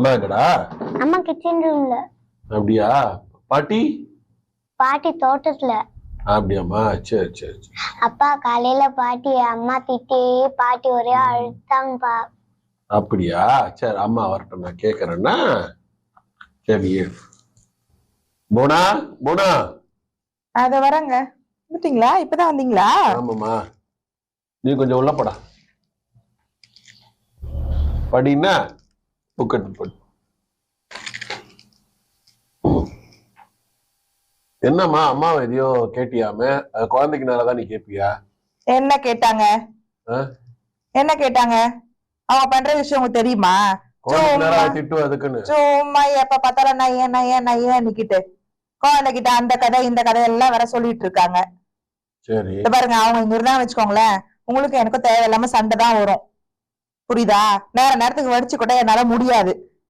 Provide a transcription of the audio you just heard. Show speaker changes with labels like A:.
A: அம்மா எங்கடா?
B: அம்மா கிச்சன் ரூம்ல.
A: அப்படியா? பாட்டி?
B: பாட்டி தோட்டத்துல.
A: அப்படியாம்மா? சரி சரி சரி.
B: அப்பா காலையில பாட்டி அம்மா திட்டி பாட்டி ஒரே அழுத்தாங்கப்பா.
A: அப்படியா? சரி அம்மா வரட்டும், நான் கேக்குறேன்னா. சரி போனா போனா.
C: அத வரங்க. வந்துட்டீங்களா? இப்பதான் வந்தீங்களா?
A: ஆமாம்மா, நீ கொஞ்சம் உள்ள போடா. படின்னா புக் எடுத்து போடு. என்னம்மா அம்மாவை எதையோ கேட்டியாமே? அது குழந்தைக்கு நேரதான் நீ கேட்பியா?
C: என்ன கேட்டாங்க? என்ன கேட்டாங்க? அவங்க பண்ற விஷயம் உங்களுக்கு தெரியுமா?
A: குழந்தைக்கு நேரம் திட்டு அதுக்குன்னு
C: சும்மா எப்ப பார்த்தாலும் நையன் நையன் நையன் நிக்கிட்டு குழந்தைகிட்ட அந்த கதை இந்த கதை எல்லாம் வர சொல்லிட்டு இருக்காங்க.
A: சரி
C: பாருங்க, அவங்க இங்க இருந்தான்னு வச்சுக்கோங்களேன், உங்களுக்கு எனக்கும் தேவையில்லாம சண்டை தான் வரும். புரியுதா? நேரத்துக்கு வடிச்சு கூட என்னால முடியாது.